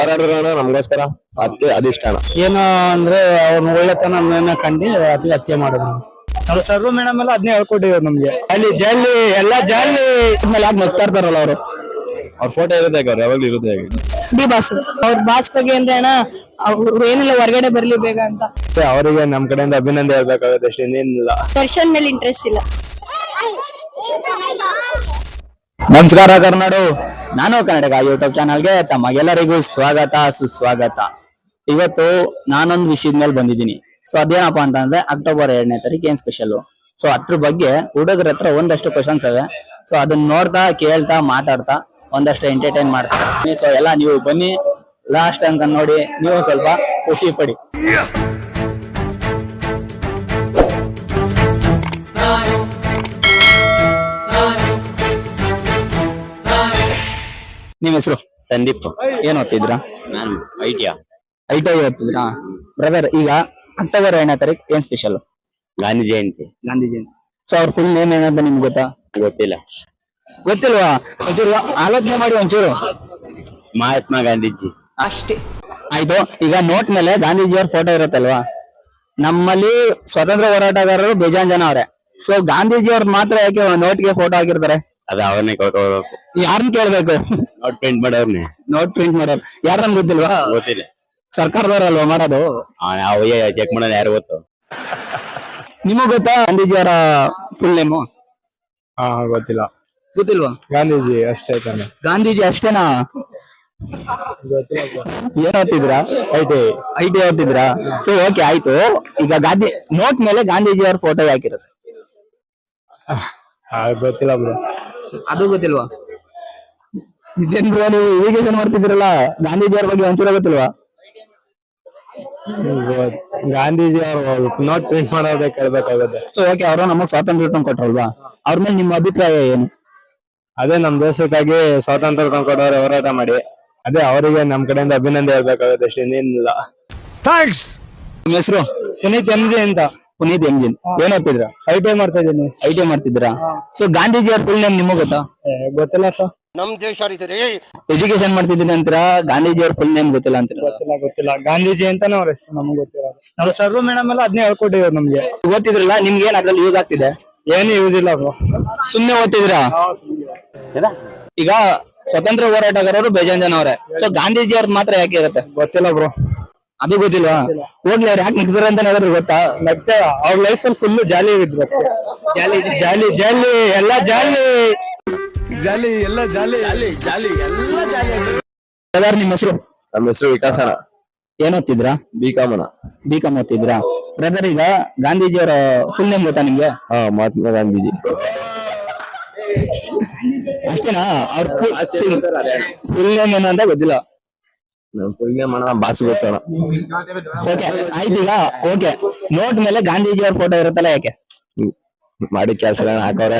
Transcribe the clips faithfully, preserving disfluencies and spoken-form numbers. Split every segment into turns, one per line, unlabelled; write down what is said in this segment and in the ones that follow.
ಹೋರಾಡಿರೋಣ ನಮಗೋಸ್ಕರ ಅದಕ್ಕೆ ಅಧಿಷ್ಠಾನ
ಏನು ಅಂದ್ರೆ ಅವ್ರನ್ನ ಒಳ್ಳೆತನ ಕಂಡು ಅದು ಹತ್ಯೆ ಮಾಡಿದ್ರು. ಅವ್ರು ಸರ್ವ ಮೇಡಮ್ ಎಲ್ಲ ಅದನ್ನೇ ಹೇಳ್ಕೊಟ್ಟಿದ್ರು ನಮ್ಗೆ. ಅಲ್ಲಿ ಜಲ್ಲಿ ಎಲ್ಲಾ ಜಲ್ಲಿ ಮೇಲೆ ಯಾಕೆ ನಗ್ತಾ ಇರ್ತಾರಲ್ಲ ಅವರು.
ಅವ್ರ ಫೋಟೋ ಇರುತ್ತೆ ಅವ್ರು ಯಾವಾಗ್ಲೂ ಇರುತ್ತೆ ಹೇಗೆ
ಡಿ ಬಾಸ್ ಅವ್ರ ಬಾಸ್ ಬಗ್ಗೆ ಅಂದ್ರೆ ಅಣ್ಣ ಅವ್ರು ಏನಿಲ್ಲ ಹೊರಗಡೆ ಬರ್ಲಿ ಬೇಗ ಅಂತ.
ಅವರಿಗೆ ನಮ್ ಕಡೆಯಿಂದ ಅಭಿನಂದನೆ ಹೇಳ್ಬೇಕಾಗುತ್ತೆ ಅಷ್ಟೇ, ಇನ್ನೇನಿಲ್ಲ.
ದರ್ಶನ್ ಮೇಲೆ ಇಂಟ್ರೆಸ್ಟ್ ಇಲ್ಲ.
ನಮಸ್ಕಾರ ಕರ್ನಾಡು, ನಾನು ಕನ್ನಡಕ ಯೂಟ್ಯೂಬ್ ಚಾನಲ್ಗೆ ತಮಗೆಲ್ಲರಿಗೂ ಸ್ವಾಗತ ಸುಸ್ವಾಗತ. ಇವತ್ತು ನಾನೊಂದು ವಿಷಯದ ಮೇಲೆ ಬಂದಿದ್ದೀನಿ. ಸೊ ಅದೇನಪ್ಪಾ ಅಂತಂದ್ರೆ ಅಕ್ಟೋಬರ್ ಎರಡನೇ ತಾರೀಕು ಏನ್ ಸ್ಪೆಷಲ್. ಸೊ ಅದ್ರ ಬಗ್ಗೆ ಹುಡುಗರ ಹತ್ರ ಒಂದಷ್ಟು ಕ್ವಶನ್ಸ್ ಅವೆ. ಸೊ ಅದನ್ನ ನೋಡ್ತಾ ಕೇಳ್ತಾ ಮಾತಾಡ್ತಾ ಒಂದಷ್ಟು ಎಂಟರ್ಟೈನ್ ಮಾಡ್ತಾ. ಸೊ ಎಲ್ಲ ನೀವು ಬನ್ನಿ ಲಾಸ್ಟ್ ಅಂತ ನೋಡಿ ನೀವು ಸ್ವಲ್ಪ ಖುಷಿ ಪಡಿ. ನಿಮ್ ಹೆಸರು?
ಸಂದೀಪ್.
ಏನ್ ಓದ್ತಿದ್ರಾ?
ನಾನು ಐಟಿಯಾ
ಐಟಿ ಓದ್ತಿದ್ರಾ? ಬ್ರದರ್, ಈಗ ಅಕ್ಟೋಬರ್ ಎರಡನೇ ತಾರೀಕು ಏನ್ ಸ್ಪೆಷಲ್?
ಗಾಂಧಿ ಜಯಂತಿ.
ಗಾಂಧಿ ಜಯಂತಿ. ಸೊ ಅವ್ರ ಫುಲ್ ನೇಮ್ ಏನಂತ ನಿಮ್ಗೆ ಗೊತ್ತಾ?
ಗೊತ್ತಿಲ್ಲ.
ಗೊತ್ತಿಲ್ವಾ? ಒಂಚೂರು ಆಲೋಚನೆ ಮಾಡಿ ಒಂಚೂರು.
ಮಹಾತ್ಮ ಗಾಂಧೀಜಿ
ಅಷ್ಟೇ.
ಆಯ್ತು, ಈಗ ನೋಟ್ ಮೇಲೆ ಗಾಂಧೀಜಿಯವ್ರ ಫೋಟೋ ಇರುತ್ತಲ್ವಾ? ನಮ್ಮಲ್ಲಿ ಸ್ವಾತಂತ್ರ್ಯ ಹೋರಾಟಗಾರರು ಬೇಜಾನ್ ಜನ ಅವ್ರೆ. ಸೊ ಗಾಂಧೀಜಿಯವ್ರ ಮಾತ್ರ ಯಾಕೆ ನೋಟ್ಗೆ ಫೋಟೋ ಹಾಕಿರ್ತಾರೆ?
ಅದ ಅವನ್ನೇ ಕೊಡ್ಕೋಬೇಕು.
ಯಾರನ್ನ ಕೇಳ್ಬೇಕು?
ನೋಟ್ ಪ್ರಿಂಟ್ ಮಾಡೋರ್ನೆ.
ನೋಟ್ ಪ್ರಿಂಟ್ ಮಾಡೋರು ಯಾರನ್ನ ಗೊತ್ತಿಲ್ವಾ?
ಗೊತ್ತಿಲ್ಲ.
ಸರ್ಕಾರದವ್ರಲ್ವಾ ಮಾಡೋದು?
ಚೆಕ್ ಮಾಡೋದು ಯಾರು ಗೊತ್ತು?
ನಿಮಗ್ ಗೊತ್ತಾ ಗಾಂಧೀಜಿಯವರ ಫುಲ್ ನೇಮು?
ಹಾ ಗೊತ್ತಿಲ್ಲ.
ಗೊತ್ತಿಲ್ವಾ?
ಗಾಂಧೀಜಿ ಅಷ್ಟೇ ತಾನೆ.
ಗಾಂಧೀಜಿ ಅಷ್ಟೇನಾ? ಏನ್ ಓದ್ತಿದ್ರಾ?
ಐಟಿ
ಐಟಿ ಓದ್ತಿದ್ರಾ? ಸೊ ಓಕೆ ಆಯ್ತು. ಈಗ ಗಾಂಧಿ ನೋಟ್ ಮೇಲೆ ಗಾಂಧೀಜಿಯವ್ರ ಫೋಟೋ ಹಾಕಿರುತ್ತೆ.
ಗೊತ್ತಿಲ್ಲ ಬ್ರೋ.
ಅದು ಗೊತ್ತಿಲ್ವಾ? ಇದೇನ್ ಬ್ರೋ ನೀವು ಇರಿಗೇಷನ್ ಮಾಡ್ತಿದ್ದೀರಲ್ಲ, ಗಾಂಧೀಜಿಯವ್ರ ಬಗ್ಗೆ ಒಂಚೂರ ಗೊತ್ತಿಲ್ವಾ?
ಗಾಂಧೀಜಿ ಅವರು ನೋಟ್ ಪ್ರಿಂಟ್ ಮಾಡೋದೇ ಕೇಳ್ಬೇಕಾಗುತ್ತೆ.
ಸೊ ಓಕೆ, ಅವರು ನಮಗ್ ಸ್ವಾತಂತ್ರ್ಯ ತಂದು ಕೊಟ್ರಲ್ವಾ, ಅವ್ರ ಮೇಲೆ ನಿಮ್ಮ ಅಭಿಪ್ರಾಯ ಏನು?
ಅದೇ ನಮ್ ದೇಶಕ್ಕಾಗಿ ಸ್ವಾತಂತ್ರ್ಯ ತಂದ್ಕೊಡೋರು ಹೋರಾಟ ಮಾಡಿ, ಅದೇ ಅವರಿಗೆ ನಮ್ ಕಡೆಯಿಂದ ಅಭಿನಂದನೆ ಹೇಳ್ಬೇಕಾಗುತ್ತೆ ಅಷ್ಟೇ, ಇನ್ನೇನಿಲ್ಲ.
ಥ್ಯಾಂಕ್ಸ್. ನಿಮ್ಮ ಹೆಸರು?
ಪುನೀತ್ ಎಂ ಜಿ ಅಂತ.
Puneeth M G. ಏನ್ ಓದ್ತಿದ್ರ?
ಐ ಟಿ ಐ ಮಾಡ್ತಾ ಇದ್ದೀನಿ.
ಐ ಟಿ ಐ ಮಾಡ್ತಿದ್ದೀರಾ? ಸೊ ಗಾಂಧೀಜಿಯವ್ರ ಫುಲ್ ನೇಮ್ ನಿಮಗ್ ಗೊತ್ತಾ?
ಗೊತ್ತಿಲ್ಲ ಸರ್.
ನಮ್ ದೇಶ
ಎಜುಕೇಶನ್ ಮಾಡ್ತಿದ್ದೀನಿ ಅಂತೀರಾ, ಗಾಂಧೀಜಿಯವ್ರ ಫುಲ್ ನೇಮ್ ಗೊತ್ತಿಲ್ಲ ಅಂತೀರಾ?
ಗೊತ್ತಿಲ್ಲ ಗೊತ್ತಿಲ್ಲ ಗಾಂಧೀಜಿ ಅಂತಾನೆ ಅವ್ರ ಹೆಸರು ನಮ್ಗೆ ಗೊತ್ತಿಲ್ಲ. ನಾವು ಸರ್ವ ಮೇಡಮ್ ಎಲ್ಲ ಅದನ್ನೇ ಹೇಳ್ಕೊಟ್ಟಿದ್ರು ನಮ್ಗೆ.
ಓದ್ತಿದ್ರಲ್ಲ, ನಿಮ್ಗೆ ಏನ್ ಅದ್ರಲ್ಲಿ ಯೂಸ್ ಆಗ್ತಿದೆ?
ಏನು ಯೂಸ್ ಇಲ್ಲ ಬ್ರೋ.
ಸುಮ್ನೆ ಓದ್ತಿದ್ರಾ? ಈಗ ಸ್ವತಂತ್ರ ಹೋರಾಟಗಾರರು ಬೇಜಾನ್ ಜನ ಅವ್ರೆ. ಸೊ ಗಾಂಧೀಜಿ ಅವ್ರದ್ದು ಮಾತ್ರ ಯಾಕೆ ಇರುತ್ತೆ?
ಗೊತ್ತಿಲ್ಲ ಬ್ರೋ.
ಅದು ಗೊತ್ತಿಲ್ವಾ? ಹೋಗ್ಲಿ, ಅವ್ರು ಯಾಕೆ ನಿಂತಿದ್ದಾರೆ ಅಂತ ಹೇಳಿದ್ರು ಗೊತ್ತಾ?
ಮತ್ತೆ ಅವ್ರ ಲೈಫ್ ಅಲ್ಲಿ ಫುಲ್ ಜಾಲಿ ಇದ್ರು.
ಜಾಲಿ
ಜಾಲಿ ಜಾಲಿ ಎಲ್ಲ ಜಾಲಿ
ಜಾಲಿ ಎಲ್ಲ ಜಾಲಿ ಜಾಲಿ ಎಲ್ಲ ಜಾಲಿ.
ಬ್ರದರ್, ನಿಮ್ಮ ಹೆಸರು?
ನಮ್ಮ ಹೆಸರು ವಿಕಾಸಣ.
ಏನ್ ಓದ್ತಿದ್ರಾ?
ಬಿ ಕಾಮನ.
ಬಿ ಕಾಮ್ ಓದ್ತಿದ್ರಾ? ಬ್ರದರ್, ಈಗ ಗಾಂಧೀಜಿಯವರ ಫುಲ್ ನೇಮ್ ಗೊತ್ತಾ ನಿಮ್ಗೆ?
ಹಾ, ಮಹಾತ್ಮ ಗಾಂಧೀಜಿ.
ಅಷ್ಟೇನಾ? ಅವ್ರ ಫುಲ್ ನೇಮ್ ಏನು ಅಂತ ಗೊತ್ತಿಲ್ಲ.
ಫುಲ್ ನೇಮ್ ಅಣ್ಣ ಬಾಸ್ ಗೊತ್ತೋಣ.
ಓಕೆ ಆಯ್ತು. ಈಗ ಓಕೆ, ನೋಟ್ ಮೇಲೆ ಗಾಂಧೀಜಿಯವ್ರ ಫೋಟೋ ಇರುತ್ತಲ್ಲ, ಯಾಕೆ?
ಮಾಡಿ ಕೆಲಸ ಹಾಕೋರ.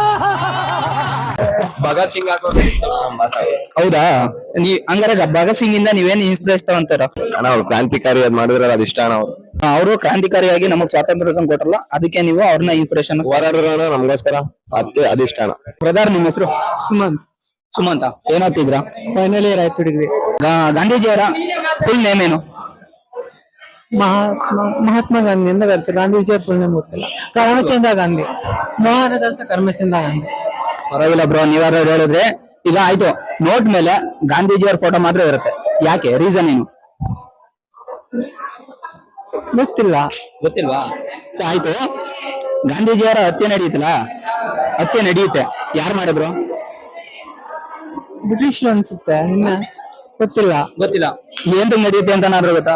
ಭಗತ್ ಸಿಂಗ್ ಹಾಕೋರು.
ಹೌದಾ? ನೀವ್ ಹಂಗಾರೆ ಭಗತ್ ಸಿಂಗ್ ಇಂದ ನೀವೇನ್ ಇನ್ಸ್ಪಿರೇಷನ್ ತಗೊಂತಾರ?
ಅಣ್ಣ ಅವ್ರು ಕ್ರಾಂತಿಕಾರಿ ಅದ್ ಮಾಡಿದ್ರಲ್ಲ, ಅದು ಇಷ್ಟ ಅಣ್ಣ. ಅವ್ರು
ಅವರು ಕ್ರಾಂತಿಕಾರಿಯಾಗಿ ನಮಗ್ ಸ್ವಾತಂತ್ರ್ಯ ತಂದು ಕೊಟ್ರಲ್ಲ, ಅದಕ್ಕೆ ನೀವು ಅವ್ರನ್ನ ಇನ್ಸ್ಪಿರೇಷನ್.
ಹೋರಾಡಿರೋಣ ನಮಗೋಸ್ಕರ ಅದಕ್ಕೆ ಅಧಿಷ್ಠಾನ.
ಬ್ರದರ್, ನಿಮ್ಮ ಹೆಸರು?
ಸುಮಂತ್.
ಸುಮಂತ. ಏನ್ ಓದ್ತಿದ್ರಾ?
ಫೈನಲ್ ಇಯರ್ ಆಯ್ತು ಡಿಗ್ರಿ.
ಗಾಂಧೀಜಿಯವರ ಫುಲ್ ನೇಮ್ ಏನು?
ಮಹಾತ್ಮ ಮಹಾತ್ಮ ಗಾಂಧಿ ಅಂತ ಕರೀತಾರೆ. ಗಾಂಧೀಜಿಯವ್ರ ಫುಲ್ ನೇಮ್ ಗೊತ್ತಿಲ್ಲ. ಕರ್ಮಚಂದ ಗಾಂಧಿ. ಮೋಹನದಾಸ ಕರ್ಮಚಂದ ಗಾಂಧಿ.
ಪರವಾಗಿಲ್ಲ ಬ್ರೋ, ನೀವಾದ್ರೂ ಹೇಳಿದ್ರೆ. ಈಗ ಆಯ್ತು, ನೋಟ್ ಮೇಲೆ ಗಾಂಧೀಜಿಯವ್ರ ಫೋಟೋ ಮಾತ್ರ ಇರುತ್ತೆ, ಯಾಕೆ? ರೀಸನ್ ಏನು?
ಗೊತ್ತಿಲ್ಲ.
ಗೊತ್ತಿಲ್ವಾ? ಆಯ್ತು, ಗಾಂಧೀಜಿಯವರ ಹತ್ಯೆ ನಡೆಯುತ್ತಲ್ಲ, ಹತ್ಯೆ ನಡೆಯುತ್ತೆ, ಯಾರು ಮಾಡಿದ್ರು?
ಬ್ರಿಟಿಷ್ ಅನ್ಸುತ್ತೆ. ಇನ್ನ ಗೊತ್ತಿಲ್ಲ.
ಗೊತ್ತಿಲ್ಲ. ಏನ್ ನಡೆಯುತ್ತೆ ಅಂತ ಏನಾದ್ರು ಗೊತ್ತಾ?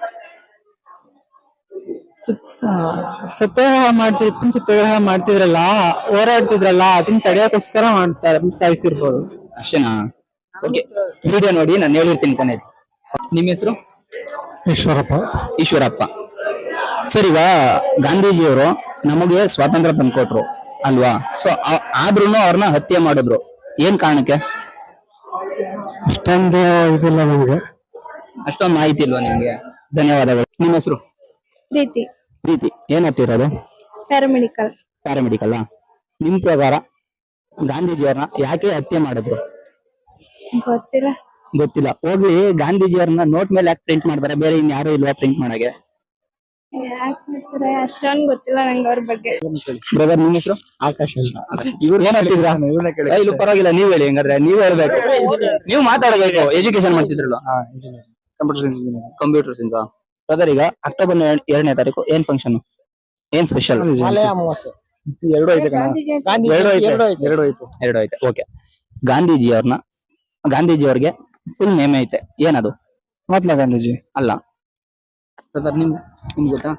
ಸತ್ಯಾಗ್ರಹ ಮಾಡ್ತಿರ್ ಸತ್ಯಾಗ್ರಹ ಮಾಡ್ತಿದ್ರಲ್ಲ, ಹೋರಾಡ್ತಿದ್ರಲ್ಲ, ಅದನ್ನ ತಡೆಯೋಕೋಸ್ಕರ ಮಾಡ್ತಾರೆ, ಸಾಯಿಸಿರ್ಬೋದು.
ಅಷ್ಟೇನಾ? ಓಕೆ, ವಿಡಿಯೋ ನೋಡಿ ನಾನು ಹೇಳಿರ್ತೀನಿ ಕೊನೆಯಲ್ಲಿ. ನಿಮ್ಮ ಹೆಸರು?
ಈಶ್ವರಪ್ಪ.
ಈಶ್ವರಪ್ಪ. ಸರ್, ಈಗ ಗಾಂಧೀಜಿಯವರು ನಮಗೆ ಸ್ವಾತಂತ್ರ್ಯ ತಂದ್ಕೊಟ್ರು ಅಲ್ವಾ? ಸೊ ಆದ್ರೂ ಅವ್ರನ್ನ ಹತ್ಯೆ ಮಾಡಿದ್ರು, ಏನ್ ಕಾರಣಕ್ಕೆ?
ಅಷ್ಟೊಂದು ಇದಿಲ್ಲ ನಮ್ಗೆ.
ಅಷ್ಟೊಂದು ಮಾಹಿತಿ ಇಲ್ವಾ ನಿಮ್ಗೆ? ಧನ್ಯವಾದಗಳು. ನಿಮ್ಮ ಹೆಸರು?
ಪ್ರೀತಿ.
ಪ್ರೀತಿ. ಏನ್ ಓದ್ತಿರೋದು?
ಪ್ಯಾರಾಮೆಡಿಕಲ್.
ಪ್ಯಾರಾಮೆಡಿಕಲ್. ನಿಮ್ ಪ್ರಕಾರ ಗಾಂಧೀಜಿಯವ್ರನ್ನ ಯಾಕೆ ಹತ್ಯೆ ಮಾಡಿದ್ರು?
ಗೊತ್ತಿಲ್ಲ.
ಗೊತ್ತಿಲ್ಲ. ಹೋಗ್ಲಿ, ಗಾಂಧೀಜಿಯವ್ರನ್ನ ನೋಟ್ ಮೇಲೆ ಯಾಕೆ ಪ್ರಿಂಟ್ ಮಾಡ್ತಾರೆ, ಬೇರೆ ಇನ್ ಯಾರು ಇಲ್ವಾ ಪ್ರಿಂಟ್ ಮಾಡಕ್ಕೆ?
ಅಷ್ಟೊಂದು ಗೊತ್ತಿಲ್ಲ ನಂಗೆ ಅವ್ರ ಬಗ್ಗೆ.
ಬ್ರದರ್, ನಿಮ್ ಹೆಸರು?
ಆಕಾಶ್ ಅಂತ.
ಏನ್ ಹೇಳ್ತಿದ್ರಾ? ಏ, ಇಲ್ಲ ಪರವಾಗಿಲ್ಲ, ನೀವ್ ಹೇಳಿ. ಹಂಗಾದ್ರೆ ನೀವ್ ಹೇಳ್ಬೇಕು, ನೀವ್ ಮಾತಾಡ್ಬೇಕು. ಎಜುಕೇಶನ್ ಮಾಡ್ತಿದ್ರಲ್ಲ?
Computer science engineer.
Computer science. Brother, ಈಗ ಅಕ್ಟೋಬರ್ ಎರಡನೇ ತಾರೀಕು ಏನ್ ಫಂಕ್ಷನ್, ಏನ್ ಸ್ಪೆಷಲ್?
ಎರಡು ಐತೆ ಕಣ. ಎರಡು ಐತೆ ಎರಡು ಐತೆ
ಎರಡು ಐತೆ. ಓಕೆ, ಗಾಂಧೀಜಿಯವ್ರನ್ನ ಗಾಂಧೀಜಿಯವ್ರಿಗೆ ಫುಲ್ ನೇಮ್ ಐತೆ, ಏನದು?
ಮಹಾತ್ಮ ಗಾಂಧೀಜಿ.
ಅಲ್ಲ ಬ್ರದರ್, ನಿಮ್ ನಿಮ್ಗೆ ಗೊತ್ತಾ?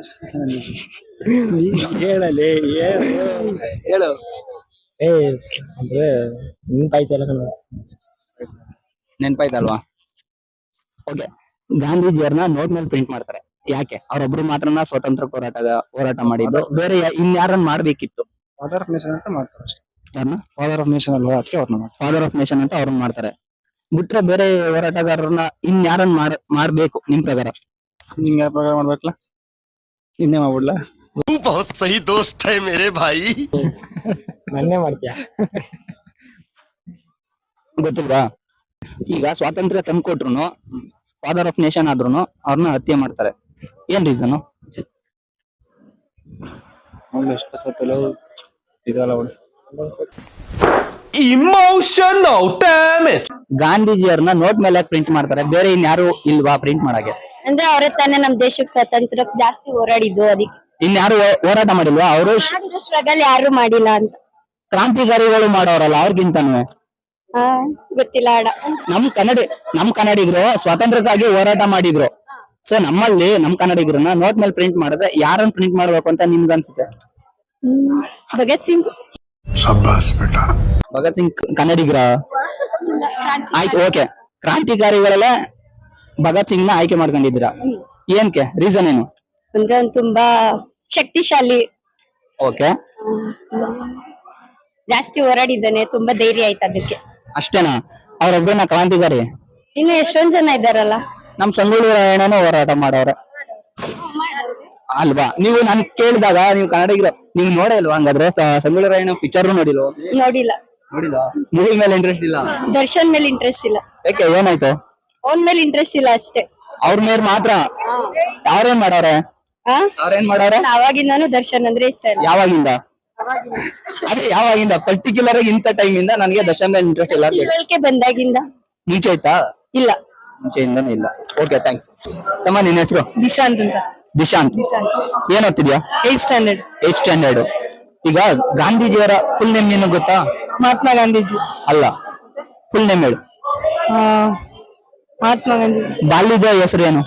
ಹೇಳಲಿ ಹೇಳು. ಏ ಅಂದ್ರೆ ನೆನ್ಪಾಯ್ತಲ್ಲ ಕಣ.
ನೆನ್ಪಾಯ್ತಲ್ವಾ? ಓಕೆ, ಗಾಂಧೀಜಿಯವ್ರನ್ನ ನೋಟ್ ಮೇಲೆ ಪ್ರಿಂಟ್ ಮಾಡ್ತಾರೆ. ಯಾಕೆ? ಅವ್ರೊಬ್ರು ಮಾತ್ರನ ಸ್ವಾತಂತ್ರ್ಯ ಹೋರಾಟ ಹೋರಾಟ ಮಾಡಿದ್ದು, ಬೇರೆ ಇನ್ಯಾರನ್ನ ಮಾಡ್ಬೇಕಿತ್ತು?
ಫಾದರ್ ಆಫ್ ನೇಷನ್ ಅಂತ ಮಾಡ್ತಾರೆ ಅಷ್ಟೇ.
ಯಾರನ್ನ?
ಫಾದರ್ ಆಫ್ ನೇಷನ್ ಅಲ್ವಾ, ಅದಕ್ಕೆ ಅವ್ರನ್ನ ಮಾಡ್ತಾರೆ.
ಫಾದರ್ ಆಫ್ ನೇಷನ್ ಅಂತ ಅವ್ರನ್ನ ಮಾಡ್ತಾರೆ. ಬಿಟ್ರೆ ಬೇರೆ ಹೋರಾಟಗಾರರನ್ನ ಇನ್ಯಾರನ್ನ ಮಾಡ್ ಮಾಡ್ಬೇಕು ನಿಮ್ ಪ್ರಕಾರ?
ನಿಂಗೆ ಯಾವ ಪ್ರಕಾರ ಮಾಡ್ಬೇಕಲ್ಲ, ನಿನ್ನೆ ಮಾಡ್ಬಿಡ್ಲಾ?
बहुत सही दोस्त है मेरे भाई।
ನನ್ನೇ ಮಾಡ್ತೀಯ?
ಗೊತ್ತಿಲ್ವಾ? ಈಗ ಸ್ವಾತಂತ್ರ್ಯ ತಂದ್ಕೊಟ್ರು, ಫಾದರ್ ಆಫ್ ನೇಷನ್ ಆದ್ರೂ ಅವ್ರನ್ನ ಹತ್ಯೆ ಮಾಡ್ತಾರೆ. ಏನ್ ರೀಸನ್?
ಇದಲ್ಲ
Emotional damage.
ಗಾಂಧೀಜಿಯವ್ರನ್ನ ನೋಟ್ ಮೇಲೆ ಪ್ರಿಂಟ್ ಮಾಡ್ತಾರೆ, ಬೇರೆ ಇನ್ಯಾರು ಇಲ್ವಾ ಪ್ರಿಂಟ್ ಮಾಡಕ್ಕೆ?
ಅಂದ್ರೆ ಅವರೇ ತಾನೇ ನಮ್ ದೇಶಕ್ಕೆ ಸ್ವಾತಂತ್ರ್ಯಕ್ಕೆ ಜಾಸ್ತಿ ಹೋರಾಡಿದ್ದು, ಅದಕ್ಕೆ
ಇನ್ಯಾರು ಹೋ- ಹೋರಾಟ ಮಾಡಿಲ್ವಾ? ಅವರು
ಸ್ಟ್ರಗಲ್ ಯಾರು ಮಾಡಿಲ್ಲ ಅಂತ.
ಕ್ರಾಂತಿಕಾರಿಗಳು ಮಾಡೋರಲ್ಲ, ಅವ್ರಿಗಿಂತನೂ
ಹಾ, ಗೊತ್ತಿಲ್ಲ ಅಡ.
ನಮ್ ಕನ್ನಡ ನಮ್ ಕನ್ನಡಿಗರು ಸ್ವಾತಂತ್ರ್ಯಕ್ಕಾಗಿ ಹೋರಾಟ ಮಾಡಿದ್ರು. ಸೊ ನಮ್ಮಲ್ಲಿ ನಮ್ ಕನ್ನಡಿಗರನ್ನ ನೋಟ್ ಮೇಲೆ ಪ್ರಿಂಟ್ ಮಾಡಿದ್ರೆ ಯಾರನ್ನ ಪ್ರಿಂಟ್ ಮಾಡ್ಬೇಕು ಅಂತ ನಿಮ್ಗೆ ಅನ್ಸುತ್ತೆ?
ಭಗತ್ ಸಿಂಗ್.
ಭಗತ್ ಸಿಂಗ್ ಕನ್ನಡಿಗರ? ಆಯ್ತು, ಓಕೆ. ಕ್ರಾಂತಿಕಾರಿಗಳೆಲ್ಲ ಭಗತ್ ಸಿಂಗ್ ನ ಆಯ್ಕೆ ಮಾಡ್ಕೊಂಡಿದ್ದೀರಾ, ಏನ್ಕೆ? ರೀಸನ್ ಏನು?
ಅಂದ್ರೆ ಅವ್ನು ತುಂಬಾ ಶಕ್ತಿಶಾಲಿ,
ಓಕೆ,
ಜಾಸ್ತಿ ಹೋರಾಡಿದ್ದಾನೆ, ತುಂಬಾ ಧೈರ್ಯ ಆಯ್ತು ಅದಕ್ಕೆ.
ಅಷ್ಟೇನಾ? ಅವ್ರೊಬ್ಬನ ಕ್ರಾಂತಿಕಾರಿ?
ಇನ್ನು ಎಷ್ಟೊಂದ್ ಜನ ಇದ್ದಾರಲ್ಲ.
ನಮ್ ಸಂಗೊಳ್ಳಿ ರಾಯಣ್ಣನೂ ಹೋರಾಟ ಮಾಡವ್ರೆ ಅಲ್ವಾ? ನೀವು ನನ್ ಕೇಳಿದಾಗ ನೀವು ಕನ್ನಡಿಗರು, ನೀವು ನೋಡೇ ಇಲ್ವಾ? ಹಂಗಾದ್ರೆ ಸ- ಸಂಗೊಳ್ಳಿ ರಾಯಣ್ಣ ಪಿಕ್ಚರ್ ನೋಡಿಲ್ವಾ?
ನೋಡಿಲ್ಲ.
ನೋಡಿಲ್ಲ? ಮೂವಿ ಮೇಲೆ ಇಂಟ್ರೆಸ್ಟ್ ಇಲ್ಲ?
ದರ್ಶನ್ ಮೇಲೆ ಇಂಟ್ರೆಸ್ಟ್ ಇಲ್ಲ.
ಯಾಕೆ, ಏನಾಯ್ತು?
ಅವನ್ ಮೇಲೆ ಇಂಟ್ರೆಸ್ಟ್ ಇಲ್ಲ ಅಷ್ಟೇ.
ಅವ್ರ ಮೇಲೆ ಮಾತ್ರ? ಅವ್ರೇನ್ ಮಾಡವ್ರೆ?
ಆ
ಅವ್ರೇನ್ ಮಾಡವ್ರೆ?
ಅವಾಗಿಂದಾನು ದರ್ಶನ್ ಅಂದ್ರೆ ಇಷ್ಟ ಇಲ್ಲ.
ಯಾವಾಗಿಂದ? ಅದೇ ಯಾವಾಗಿಂದ? ಪರ್ಟಿಕ್ಯುಲರ್ ಆಗಿ ಇಂಥ ಟೈಮ್ ಇಂದ ನನಗೆ ದರ್ಶನ್ ಮೇಲೆ ಇಂಟ್ರೆಸ್ಟ್ ಇಲ್ಲ ಅಂತ ಹೇಳಿ.
ತಿಳುವಳಿಕೆ ಬಂದಾಗಿಂದ
ಮುಂಚೆ ಆಯ್ತಾ?
ಇಲ್ಲ.
ಮುಂಚೆಯಿಂದನೂ ಇಲ್ಲ. Okay, thanks. ತಮ್ಮ, ನಿನ್ನ ಹೆಸರು?
ದಿಶಾಂತ್ ಅಂತ.
ದಿಶಾಂತ್. ಏನ್ ಓದ್ತಿದ್ಯಾ?
Eight standard.
Eight standard. ಈಗ ಗಾಂಧೀಜಿಯವರ ಫುಲ್ ನೇಮ್ ಏನು ಗೊತ್ತಾ?
ಮಹಾತ್ಮ ಗಾಂಧೀಜಿ
ಅಲ್ಲ, ಫುಲ್ ನೇಮ್ ಹೇಳು.
ಆ, ಮಹಾತ್ಮ ಗಾಂಧಿ.
ಬಾಲ್ಯದ ಹೆಸರು ಏನು?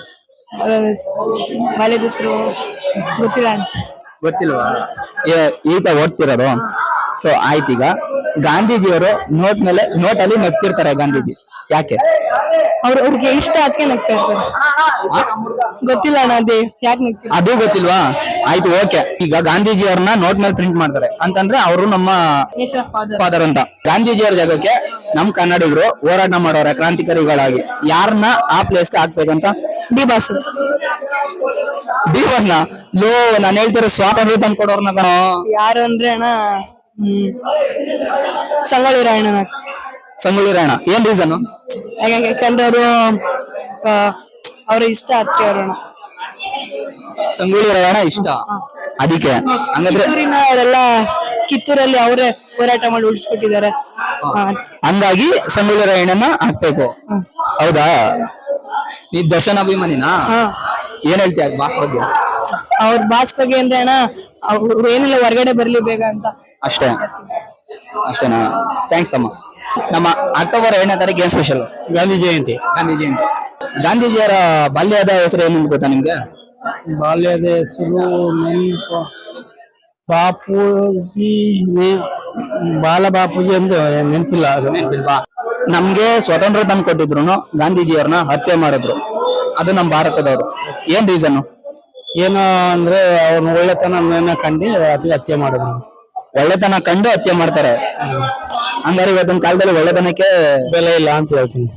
ಬಾಲ್ಯದ ಹೆಸರು ಗೊತ್ತಿಲ್ಲ.
ಗೊತ್ತಿಲ್ವಾ? ಈತ ಓದ್ತಿರೋದು. ಸೊ ಆಯ್ತೀಗ ಗಾಂಧೀಜಿಯವರು ನೋಟ್ ಮೇಲೆ ನೋಟ್ ಅಲ್ಲಿ ನಗ್ತಿರ್ತಾರೆ. ಗಾಂಧೀಜಿ ಯಾಕೆ?
ಅವ್ರ ಅವ್ರಿಗೆ ಇಷ್ಟ ಅದಕ್ಕೆ ನಗ್ತಾ ಇರ್ತಾರೆ. ಗೊತ್ತಿಲ್ಲ ಅಣ್ಣ, ಅದೇ ಯಾಕೆ ನಗ್ತಾರೆ
ಅದು ಗೊತ್ತಿಲ್ವಾ? ಆಯ್ತು, ಓಕೆ. ಈಗ ಗಾಂಧೀಜಿಯವ್ರನ್ನ ನೋಟ್ ಮೇಲೆ ಪ್ರಿಂಟ್ ಮಾಡ್ತಾರೆ ಅಂತಂದ್ರೆ ಅವರು ನಮ್ಮ ಫಾದರ್ ಅಂತ. ಗಾಂಧೀಜಿಯವರ ಜಾಗಕ್ಕೆ ನಮ್ ಕನ್ನಡಿಗರು ಹೋರಾಟ ಮಾಡೋರೆ ಕ್ರಾಂತಿಕಾರಿಗಳಾಗಿ. ಯಾರನ್ನ ಆ ಪ್ಲೇಸ್ಗೆ ಹಾಕ್ಬೇಕಂತ?
D boss.
ಡಿ ಬಾಸ್ನ? ಲೋ, ನಾನು ಹೇಳ್ತಿರೋ ಸ್ವಾತಂತ್ರ್ಯ ತಂದ್ಕೊಡೋರ್ನ ಕಣೋ.
ಯಾರು ಅಂದ್ರೆ ಅಣ್ಣ, ಹ್ಮ್ ಸಂಗೊಳ್ಳಿ ರಾಯಣ್ಣ.
ಸಂಗೊಳ್ಳಿ ರಾಯಣ್ಣ. ಏನ್ ರೀಸನ್?
ಯಾಕಂದ್ರೆ ಅವರು ಅವ್ರ ಇಷ್ಟ ಅದಕ್ಕೆ ಅವ್ರಣ್ಣ.
ಸಂಗೊಳ್ಳಿ ರಾಯಣ್ಣ ಇಷ್ಟ, ಅದಕ್ಕೆ. ಹಂಗಾದ್ರೆ
ಕಿತ್ತೂರಿನ ಅವರೆಲ್ಲ ಕಿತ್ತೂರಲ್ಲಿ ಅವರೇ ಹೋರಾಟ ಮಾಡಿ ಉಳಿಸ್ಕೊಟ್ಟಿದ್ದಾರೆ.
ಹಂಗಾಗಿ ಸಂಗೊಳ್ಳಿ ರಾಯಣ್ಣನ ಹಾಕ್ಬೇಕು. ಹೌದಾ? ನೀ ದರ್ಶನ್ ಅಭಿಮಾನಿನಾ? ಏನ್ ಹೇಳ್ತೀಯ ಬಾಸ್ ಬಗ್ಗೆ?
ಅವ್ರ ಬಾಸ್ ಬಗ್ಗೆ ಅಂದ್ರೆ ಅಣ್ಣ, ಅವ್ರು ಏನಿಲ್ಲ ಹೊರಗಡೆ ಬರ್ಲಿ ಬೇಗ ಅಂತ
ಅಷ್ಟೇ. ಅಷ್ಟೇನಾ? ಥ್ಯಾಂಕ್ಸ್ ತಮ್ಮ. ನಮ್ಮ ಅಕ್ಟೋಬರ್ ಎರಡನೇ ತಾರೀಕು ಏನ್ ಸ್ಪೆಷಲ್?
ಗಾಂಧಿ ಜಯಂತಿ.
ಗಾಂಧಿ ಜಯಂತಿ. ಗಾಂಧೀಜಿಯವರ ಬಾಲ್ಯದ ಹೆಸರು ಏನು ಗೊತ್ತಾ ನಿಮ್ಗೆ?
ಬಾಲ್ಯದ ಹೆಸರು ನೆನಪು ಬಾಪೂಜಿ, ಬಾಲ ಬಾಪೂಜಿ ಎಂದು ನೆನಪಿಲ್ಲ. ಅದು
ನೆನಪಿಲ್ವಾ? ನಮ್ಗೆ ಸ್ವಾತಂತ್ರ್ಯ ತಂದು ಕೊಟ್ಟಿದ್ರು, ಗಾಂಧೀಜಿಯವ್ರನ್ನ ಹತ್ಯೆ ಮಾಡಿದ್ರು. ಅದು ನಮ್ ಭಾರತದವರು. ಏನ್ ರೀಸನ್?
ಏನು ಅಂದ್ರೆ ಅವ್ರನ್ನ ಒಳ್ಳೆತನ ಕಂಡು ಅದಕ್ಕೆ ಹತ್ಯೆ ಮಾಡಿದ್ರು.
ಒಳ್ಳೆತನ ಕಂಡು ಹತ್ಯೆ ಮಾಡ್ತಾರೆ. ಹಂಗಾರೆ ಇವತ್ತಿನ ಕಾಲದಲ್ಲಿ ಒಳ್ಳೆತನಕ್ಕೆ
ಬೆಲೆ ಇಲ್ಲ ಅಂತ ಹೇಳ್ತೀನಿ.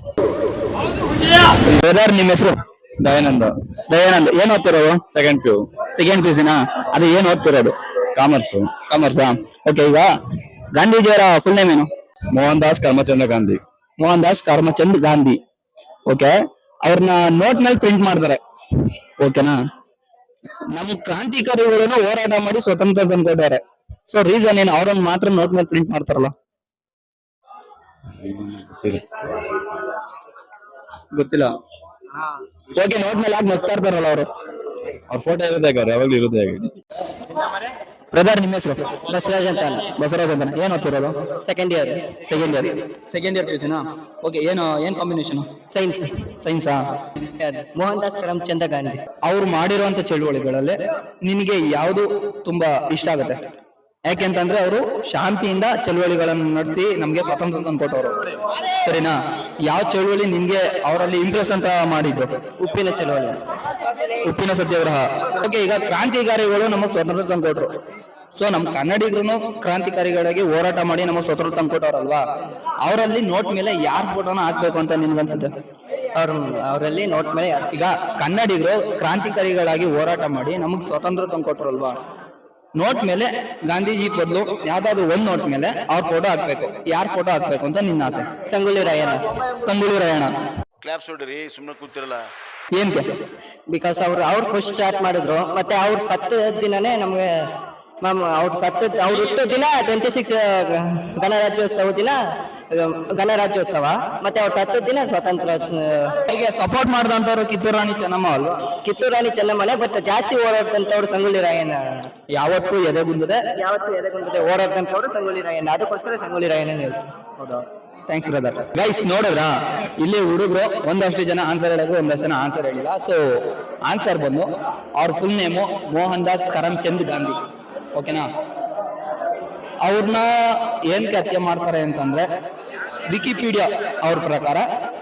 ಬ್ರದರ್, ನಿಮ್ ಹೆಸರು?
ದಯಾನಂದ.
ದಯಾನಂದ್. ಏನ್ ಓದ್ತಿರೋದು?
Second P U.
Second P U ಸಿನಾ? ಅದು ಏನ್ ಓದ್ತಿರೋದು?
ಕಾಮರ್ಸ್.
ಕಾಮರ್ಸಾ? ಓಕೆ. ಈಗ ಗಾಂಧೀಜಿಯವರ ಫುಲ್ ನೇಮ್ ಏನು?
Mohandas Karamchandra Gandhi.
Mohandas Karamchand Gandhi. Okay, ಅವ್ರನ್ನ ನೋಟ್ ಮೇಲೆ ಪ್ರಿಂಟ್ ಮಾಡ್ತಾರೆ. ಓಕೆನಾ, ನಮ್ಮ ಕ್ರಾಂತಿಕಾರಿಗಳನ್ನು ಹೋರಾಟ ಮಾಡಿ ಸ್ವತಂತ್ರ ತಂದ್ಕೊಟ್ಟಾರೆ. ಸೊ ರೀಸನ್ ಏನು, ಅವ್ರನ್ನ ಮಾತ್ರ ನೋಟ್ ಮೇಲೆ ಪ್ರಿಂಟ್ ಮಾಡ್ತಾರಲ್ಲ? ಗೊತ್ತಿಲ್ಲ. ಓಕೆ, ನೋಟ್ ಮೇಲೆ ಯಾಕೆ ನಗ್ತಾ ಇರ್ತಾರಲ್ಲ ಅವರು?
ಅವ್ರ ಫೋಟೋ ಇರುತ್ತೆ ಯಾವಾಗ್ಲೂ ಇರುತ್ತೆ.
ಬ್ರದರ್, ನಿಮ್ಮ ಹೆಸರು?
ಬಸವರಾಜ್ ಅಂತ.
ಬಸವರಾಜ್ ಅಂತ. ಏನ್ ಓದ್ತಿರೋದು?
Second year
second year. Second year ಪಿಯುಸಿನಾ? ಓಕೆ, ಏನು ಏನ್ ಕಾಂಬಿನೇಷನ್?
ಸೈನ್ಸ್.
ಸೈನ್ಸಾ?
ಮೋಹನ್ ದಾಸ್ ಕರಮ್ಚಂದ್ ಗಾಂಧಿ.
ಅವ್ರು ಮಾಡಿರುವಂತ ಚಳುವಳಿಗಳಲ್ಲಿ ನಿನಗೆ ಯಾವುದು ತುಂಬಾ ಇಷ್ಟ ಆಗುತ್ತೆ? ಯಾಕೆಂತಂದ್ರೆ ಅವರು ಶಾಂತಿಯಿಂದ ಚಳುವಳಿಗಳನ್ನು ನಡೆಸಿ ನಮ್ಗೆ ಸ್ವಾತಂತ್ರ್ಯ ತಂದ್ಕೊಟ್ಟವ್ರು, ಸರಿನಾ? ಯಾವ ಚಳುವಳಿ ನಿಮ್ಗೆ ಅವರಲ್ಲಿ ಇಂಪ್ರೆಸ್ ಅಂತ ಮಾಡಿದ್ದು?
ಉಪ್ಪಿನ ಚಳವಳಿ.
ಉಪ್ಪಿನ ಸತ್ಯಾಗ್ರಹ. ಓಕೆ, ಈಗ ಕ್ರಾಂತಿಕಾರಿಗಳು ನಮಗ್ ಸ್ವಾತಂತ್ರ್ಯ ತಂದ್ಕೊಟ್ರು. ಸೊ ನಮ್ ಕನ್ನಡಿಗರು ಕ್ರಾಂತಿಕಾರಿಗಳಿಗೆ ಹೋರಾಟ ಮಾಡಿ ನಮಗ್ ಸ್ವಾತಂತ್ರ್ಯ ತಂದ್ಕೊಟ್ಟವ್ರಲ್ವಾ? ಅವರಲ್ಲಿ ನೋಟ್ ಮೇಲೆ ಯಾರ್ ಫೋಟೋನ ಹಾಕ್ಬೇಕು ಅಂತ ನಿನ್ಗನ್ಸುತ್ತೆ?
ಅವ್ರ ಅವರಲ್ಲಿ ನೋಟ್ ಮೇಲೆ ಯಾರು-
ಈಗ ಕನ್ನಡಿಗರು ಕ್ರಾಂತಿಕಾರಿಗಳಾಗಿ ಹೋರಾಟ ಮಾಡಿ ನಮಗ್ ಸ್ವಾತಂತ್ರ್ಯ ತಂದ್ಕೊಟ್ರಲ್ವಾ? ನೋಟ್ ಮೇಲೆ ಗಾಂಧೀಜಿ ಬದಲು ಯಾವ್ದಾದ್ರು ಒಂದ್ ನೋಟ್ ಮೇಲೆ ಅವ್ರ ಫೋಟೋ ಹಾಕ್ಬೇಕು. ಯಾರ್ ಫೋಟೋ ಹಾಕ್ಬೇಕು ಅಂತ ನಿನ್ನ ಆಸೆ?
ಸಂಗೊಳ್ಳಿ ರಾಯಣ್ಣ.
ಸಂಗೊಳ್ಳಿ ರಾಯಣ್ಣ.
ಕ್ಲಾಪ್ಸ್ ಹೊಡ್ರಿ, ಸುಮ್ಮನೆ ಕೂತಿರಲ್ಲ.
ಏನ್ಕೆ?
ಬಿಕಾಸ್ ಅವ್ರು ಅವ್ರು ಫಸ್ಟ್ ಸ್ಟಾರ್ಟ್ ಮಾಡಿದ್ರು, ಮತ್ತೆ ಅವ್ರು ಸತ್ತ ದಿನನೇ ನಮ್ಗೆ ಮ್ಯಾಮ್ ಅವ್ರು ಸತ್ತ ಅವ್ರು ಹುಟ್ಟಿದ ದಿನ ಟ್ವೆಂಟಿ ಸಿಕ್ಸ್ ಗಣರಾಜ್ಯೋತ್ಸವ ದಿನ, ಗಣರಾಜ್ಯೋತ್ಸವ, ಮತ್ತೆ ಅವ್ರು ಸತ್ತ ದಿನ ಸ್ವಾತಂತ್ರ್ಯ.
ಹೀಗೆ ಸಪೋರ್ಟ್ ಮಾಡಿದಂತವ್ರು ಕಿತ್ತೂರು ರಾಣಿ ಚೆನ್ನಮ್ಮ ಅಲ್ವಾ?
ಕಿತ್ತೂರು ರಾಣಿ ಚೆನ್ನಮ್ಮನೆ, ಬಟ್ ಜಾಸ್ತಿ ಓಡಾಡ್ತಂತವ್ರು ಸಂಗೊಳ್ಳಿ ರಾಯಣ್ಣ.
ಯಾವತ್ತೂ ಎದೆಗುಂದದೆ
ಯಾವತ್ತು ಎದೆಗುಂದದೆ ಓಡಾಡ್ತಂತವ್ರು ಸಂಗೊಳ್ಳಿ ರಾಯಣ್ಣ. ಅದಕ್ಕೋಸ್ಕರ ಸಂಗೊಳ್ಳಿ ರಾಯಣ್ಣ ಹೇಳ್ತಾರೆ.
ಹೌದಾ? Thanks brother. ಗೈಸ್, ನೋಡಿದ್ರ ಇಲ್ಲಿ ಹುಡುಗರು ಒಂದಷ್ಟು ಜನ ಆನ್ಸರ್ ಹೇಳಿದ್ರು, ಒಂದಷ್ಟು ಜನ ಆನ್ಸರ್ ಹೇಳಿಲ್ಲ. ಸೊ ಆನ್ಸರ್ ಬಂದು ಅವ್ರ full name Mohandas Karamchand Gandhi. ಓಕೆನಾ? ಅವ್ರನ್ನ ಏನ್ಕೆ ಹತ್ಯೆ ಮಾಡ್ತಾರೆ ಅಂತಂದ್ರೆ, ವಿಕಿಪೀಡಿಯಾ ಅವ್ರ ಪ್ರಕಾರ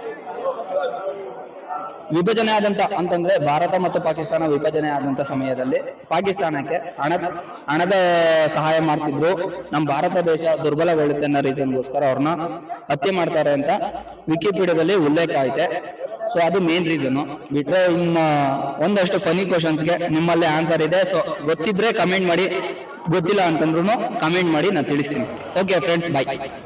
ವಿಭಜನೆ ಆದಂತ ಅಂತಂದ್ರೆ ಭಾರತ ಮತ್ತು ಪಾಕಿಸ್ತಾನ ವಿಭಜನೆ ಆದಂತ ಸಮಯದಲ್ಲಿ ಪಾಕಿಸ್ತಾನಕ್ಕೆ ಹಣದ ಹಣದ ಸಹಾಯ ಮಾಡ್ತಿದ್ರು. ನಮ್ಮ ಭಾರತ ದೇಶ ದುರ್ಬಲಗೊಳ್ಳುತ್ತೆ ಅನ್ನೋ ರೀಸನ್ಗೋಸ್ಕರ ಅವ್ರನ್ನ ಹತ್ಯೆ ಮಾಡ್ತಾರೆ ಅಂತ ವಿಕಿಪೀಡಿಯಾದಲ್ಲಿ ಉಲ್ಲೇಖ ಐತೆ. ಸೊ ಅದು ಮೇನ್ ರೀಸನ್. ಬಿಟ್ರೆ ಇನ್ನ ಒಂದಷ್ಟು ಫನಿ ಕ್ವಶನ್ಸ್ಗೆ ನಿಮ್ಮಲ್ಲೇ ಆನ್ಸರ್ ಇದೆ. ಸೊ ಗೊತ್ತಿದ್ರೆ ಕಮೆಂಟ್ ಮಾಡಿ, ಗೊತ್ತಿಲ್ಲ ಅಂತಂದ್ರು ಕಮೆಂಟ್ ಮಾಡಿ, ನಾನು ತಿಳಿಸ್ತೀನಿ. ಓಕೆ ಫ್ರೆಂಡ್ಸ್, ಬಾಯ್.